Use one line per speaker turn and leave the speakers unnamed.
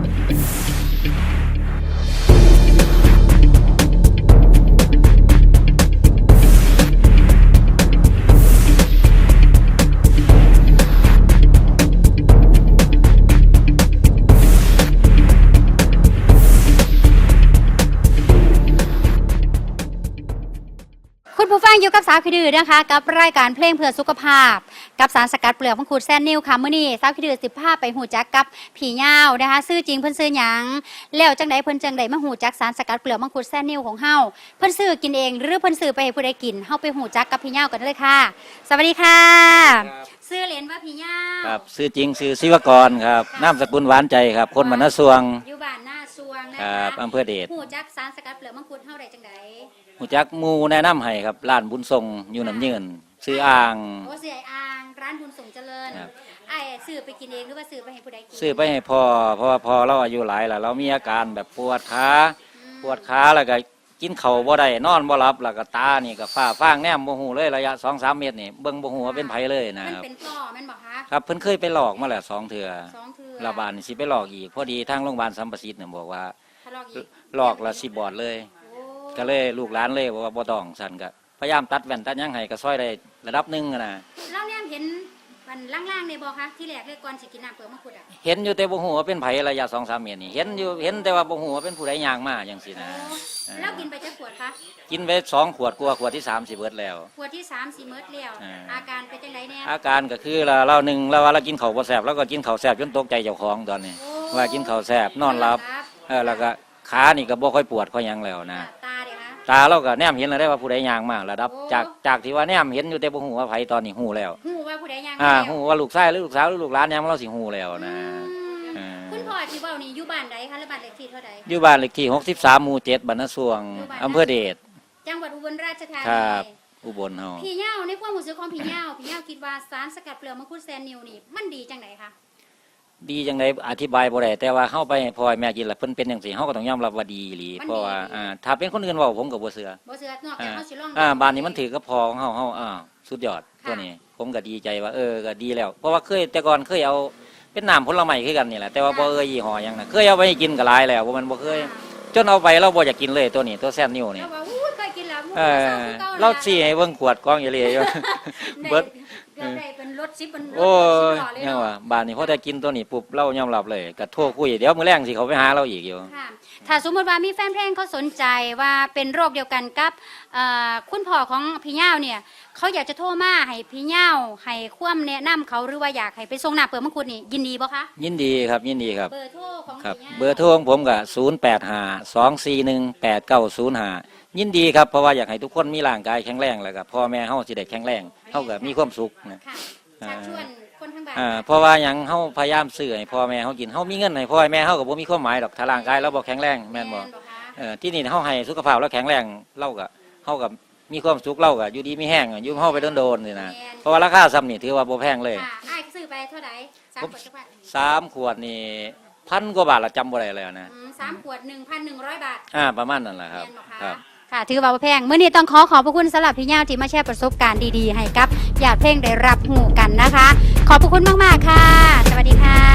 คุณผู้ฟังอยู่กับสาวขี้ดื้อนะคะกับรายการเพลงเพื่อสุขภาพกับสารสกัดเปลือกมังคุดแซนนิวค่ะมื้อนี้สาวขี้ดื้อ10 ภาพไปหูจักกับผีเหย้านะคะชื่อจริงเพิ่นชื่อหยังแล้วจังไดเพิ่นจังไดมาหูจักสารสกัดเปลือกมังคุดแซนนิวของเฮาเพิ่นซื้อกินเองหรือเพิ่นซื้อไปให้ผู้ใดกินเฮาไปหูจักกับผีเหย้ากันเลยค่ะสวัสดีค่ะชื่อเล่นว่าผีเหย้า
ครับชื่อจริงชื่อศิวกรครับนามสกุลหวานใจครับคนบ้านนาสวง
อยู่บ้านนาสวงนะ
ครั
คะ
บอำเภอเดช
หูจักสารสกัดเปลือกมังคุดเฮาได้จังได
หูจักหมู่แนะนำให้ครับร้านบุญทรงอยู่น้ำยืนซื้ออ่าง
โอ้เสียอ่างร้านบุญส่งเจริญไอ้ซื้อไปกินเองหรือว่าซื้อไปให้ผู้ใดกิน
ซื้อไปให้พ่อเพราะว่าพ่อเราอายุหลายแล้วเรามีอาการแบบปวดขาแล้วก็กินข้าวบ่ได้นอนบ่หลับแล้วก็ตานี่ก็ฟ้าฟางแนมบ่ฮู้เลยระยะ 2-3 เมตรนี่เบิ่งบ่ฮู้ว่าเป็นไผเลยนะครับ
มันเป็นพ่อแม่นบ่คะ
ครับเพิ่นเคยไปหลอกมาแล้ว2 เทื่อระบาดนี่สิไปหลอกอีกพอดีทางโรงพยาบาลสัมประสิทธิ์เนี่ยบอกว่าหลอกละสิบอดเลยก็เลยลูกหลานเลยบอกว่าบ่ต้องสั่นก็พยายามตัดแว่นตัดหยังให้ก็ซอยได้ระดับนึงนะ
เราเนี่ยเห็นมันล่างๆในบ่คะที่แรกเลยก่อนสิกินน้ำเปลือกมังคุดอ่ะ
เห็นอยู่แต่บ่ฮู้ว่าเป็นไผระยะ 2-3 เมตรนี่เห็นอยู่เห็นแต่ว่าบ่ฮู้ว่าเป็นผู้ใดย่างมาจังซี่นะ
แล้วกินไปจักขวดคะ
กินไป2 ขวดกว่าขวดที่3สิเบิดแล้ว
ขวดที่3สิเบิดแล้วอาการเป็นจังไดแน่
อาการก็คือเราหนึ่งเราว่าเรากินข้าวบ่แซ่บแล้วก็กินข้าวแซ่บจนตกใจเจ้าของตอนนี้ว่ากินข้าวแซ่บนอนหลับแล้วก็ขานี่ก็บ่ค่อยปวดค่อยหยังแล้วนะตาเราก็แนมเห็นแล้วได้ว่าผู้ใดย่างมาระดับจากที่ว่าแนมเห็นอยู่แต่บ่ฮู้ว่าไผตอนนี้ฮู้แล้ว
ฮู้ว่าผู้ใดย่างมา
ฮู้ว่าลูกชายหรือลูกสาวหรือลูกหลานย่างมาเราสิฮู้แล้วนะ
คุณพ่อที่เว้านี่อยู่บ้านใดคะหรือบ้านเลขที่เท่าใด
อยู่บ้านเลขที่63หมู่7บ้านนาสวงอำเภอเดช
จังหวัดอุบลราชธานี
ครับอุบลเฮา
ผีเหย้าในความรู้สึกของผีเหย้าคิดว่าสารสกัดเปลือกมังคุดแซนนิวนี่มันดีจังไดคะ
ดีจังไดอธิบายบ่ได้แต่ว่าเฮาไปให้พ่อแม่กินแล้วเพิ่นเป็นจังซี่เฮาก็ต้องยอมรับว่าดีอีหลีเพราะว่าถ้าเป็นคนอื่นเว้าผมก็บ่เชื่อน
อกจากเฮาสิลอง
บ้านนี้มันถือกับพ่อของเฮาสุดยอดตัวนี้ผมก็ดีใจว่าก็ดีแล้วเพราะว่าแต่ก่อนเคยเอาเป็นน้ำผลไม้คือกันนี่แหละแต่ว่าบ่ยี่ห้อหยังน่ะเคยเอาไปกินก็หลายแล้วเพราะมันบ่เคยจนเอาไปเราบ่อยากกินเลยตัวนี้ตัวแซนนิวนี่
เคยกินแล้ว
เราสิให้เบิ่งขวดกองอยู่เลยเบิด
ได้เป็นรถ10เป็นรถ
โอ้ยยังว่าบ้านนี้พอได้กินตัวนี้ปุ๊บเรายอมรับเลยก็โทรคุยเดี๋ยวมื้อแลงสิเขาไปหาเราอีกอยู่
ถ้าสมมุติว่ามีแฟนเพลงเขาสนใจว่าเป็นโรคเดียวกันกับคุณพ่อของพี่เหย้าเนี่ยเขาอยากจะโทรมาให้พี่เหย้าให้ความแนะนำเขาหรือว่าอยากให้ไปส่งน้ำเปลือกมังคุดนี่ยินดีบ่คะ
ยินดีครับยินดีครับ
เบอร์โทรของ
พี่เหย้าเบอร์โทรของผมก็0852418905ยินดีครับเพราะว่าอยากให้ทุกคนมีร่างกายแข็งแรงแล้วก็พ่อแม่เฮาสิได้แข็งแรงเฮาก็มีความสุขนะ
ชักชวนคนทั้งบ้าน
เพราะว่าหยังเฮาพยายามซื้อให้พ่อแม่เฮากินเฮามีเงินให้พ่อแม่เฮาก็บ่มีความหมายดอกถ้าร่างกายเราบ่แข็งแรงแม่นบ่ที่นี่เฮาให้สุขภาพเราแข็งแรงเราก็เฮาก็มีความสุขเราก็อยู่ดีมีแห้งอยู่เฮาไปโดนๆนี่นะเพราะว่าราคาซ้ำนี่ถือว่าบ่แพงเลย
อ้ายซื้อไปเท่าใด3 ขวดจักบาท
3 ขวดนี่1,000 กว่าบาทละจำบ่ได้แล้วนะ
3 ขวด 1,100 บาท
ประมาณนั้นแหละครับ
ค่ะถือว่าแพงเมื่อนี้ต้องขอบพระคุณสำหรับพี่เหย้าที่มาแชร์ประสบการณ์ดีๆให้กับญาติเพลงได้รับหูกันนะคะขอบพระคุณมากๆค่ะสวัสดีค่ะ